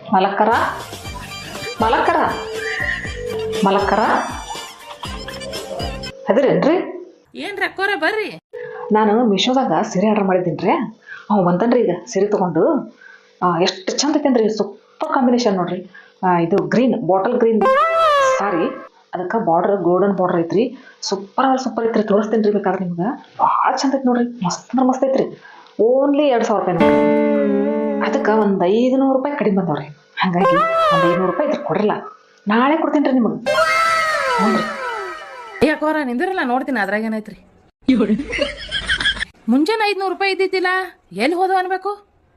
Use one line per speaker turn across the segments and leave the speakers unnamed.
ಮಲಕ್ಕರ ಮಲಕ್ಕರ ಮಲಕ್ಕರ ಅದಿರೇನ್ರಿ?
ಏನ್ರಿ ಅಕ್ಕೋರ ಬರ್ರಿ.
ನಾನು ಮೀಶೋದಾಗ ಸೀರೆ ಆರ್ಡರ್ ಮಾಡಿದ್ದೀನಿ ರೀ. ಅವ್ ಬಂತನ್ರಿ ಈಗ ಸೀರೆ ತೊಗೊಂಡು. ಎಷ್ಟು ಚಂದ ಐತೇನ್ರಿ, ಸೂಪರ್ ಕಾಂಬಿನೇಷನ್ ನೋಡ್ರಿ. ಇದು ಗ್ರೀನ್, ಬಾಟಲ್ ಗ್ರೀನ್ ಸಾರಿ, ಅದಕ್ಕೆ ಬಾರ್ಡರ್ ಗೋಲ್ಡನ್ ಬಾರ್ಡರ್ ಐತ್ರಿ. ಸೂಪರ್ ಐತ್ರಿ, ತೋರಿಸ್ತೀನಿ ರೀ ಬೇಕಾದ್ರೆ ನಿಮ್ಗೆ. ಭಾಳ ಚಂದ ಐತಿ ನೋಡ್ರಿ, ಮಸ್ತ್ ಅಂದ್ರೆ ಮಸ್ತ್ ಐತ್ರಿ. ಓನ್ಲಿ 2,000 ರೂಪಾಯಿ ನೋಡ್ರಿ. ಅದಕ್ಕೆ ಒಂದು 500 ರೂಪಾಯಿ ಕಡಿಮೆ ಬಂದವ್ರಿ. ಹಾಗಾಗಿ ಒಂದು 500 ರೂಪಾಯಿ ಇದ್ರೆ ಕೊಡ್ರಲ್ಲ, ನಾಳೆ ಕೊಡ್ತೀನಿ ರೀ ನಿಮಗೆ. ನೋಡ್ರಿ
ಯಾಕೋರ ನಿಂದಿರಲ್ಲ, ನೋಡ್ತೀನಿ ಅದ್ರಾಗ ಏನೈತ್ರಿ. ಮುಂಜಾನೆ 500 ರೂಪಾಯಿ ಇದ್ದಿದ್ದಿಲ್ಲ, ಎಲ್ಲಿ ಹೋದ ಅನ್ಬೇಕು?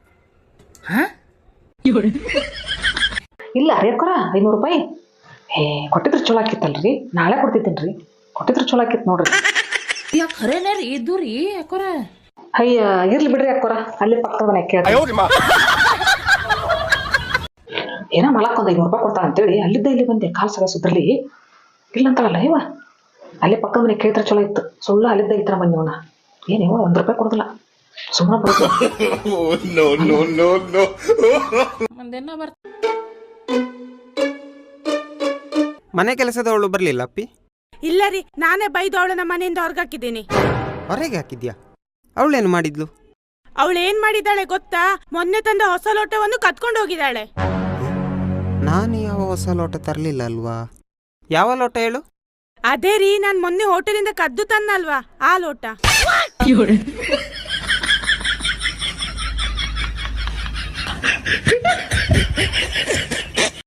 ಇಲ್ಲ ರೀ ಅಕ್ಕೋರ, 500 ರೂಪಾಯಿ ಕೊಟ್ಟಿದ್ರು ಚಲೋ ಆಕಿತ್ತಲ್ರಿ. ನಾಳೆ ಕೊಡ್ತಿದ್ದೀನಿ ರೀ, ಕೊಟ್ಟಿದ್ರು ಚಲೋ ಆಕಿತ್ತು ನೋಡ್ರಿ.
ಯಾಕೆ ಖರೇನೇ ರೀ ಇದ್ದು ರೀ ಅಕ್ಕೋರ?
ಅಯ್ಯ ಇರ್ಲಿ ಬಿಡ್ರಿ ಅಕ್ಕೋರ, ಅಲ್ಲಿ ಪಕ್ಕದ ಮನೆ ಕೇಳಿ ಏನೋ ಮಲಕ್ ಒಂದು 500 ರೂಪಾಯಿ ಕೊಡ್ತಾನೆ ಅಂತೇಳಿ ಅಲ್ಲಿದ್ದ ಇಲ್ಲಿ ಬಂದೆ. ಕಾಲ್ ಸಗ ಸುದ್ರಲಿ ಇಲ್ಲ ಅಂತಾಳಲ್ಲ ಇವ, ಅಲ್ಲಿ ಪಕ್ಕದ ಮನೆ ಕೇಳಿದ್ರೆ ಚಲೋ ಇತ್ತು. ಸುಳ್ಳು ಅಲ್ಲಿದ್ದ ಇತ್ರ ಬಂದಿವನ. ಏನಿವ 1 ರೂಪಾಯಿ ಕೊಡುದಿಲ್ಲ, ಸುಮ್ಮನೆ ಬರುತ್ತೆ.
ಒಂದೇನೋ ಬರ್ತ
ಮನೆ ಕೆಲಸದವಳು ಬರ್ಲಿಲ್ಲ ಅಪ್ಪಿ?
ಇಲ್ಲ ರೀ, ನಾನೇ ಬೈದು ಅವಳನ್ನ ಮನೆಯಿಂದ ಹೊರಗಾಕಿದ್ದೀನಿ.
ಹೊರಗೆ ಹಾಕಿದ್ಯಾ? ಅವಳೇನು ಮಾಡಿದ್ಲು?
ಅವಳೇನ್ ಮಾಡಿದ್ದಾಳೆ ಗೊತ್ತಾ? ಮೊನ್ನೆ ತಂದ ಹೊಸ ಲೋಟವನ್ನು ಕತ್ಕೊಂಡು ಹೋಗಿದ್ದಾಳೆ.
ನಾನು ಯಾವ ಹೊಸ ಲೋಟ ತರಲಿಲ್ಲ ಅಲ್ವಾ? ಯಾವ ಲೋಟ ಹೇಳು?
ಅದೇ ರೀ, ನಾನ್ ಮೊನ್ನೆ ಹೋಟೆಲಿಂದ ಕದ್ದು ತನ್ನಲ್ವಾ, ಆ ಲೋಟ.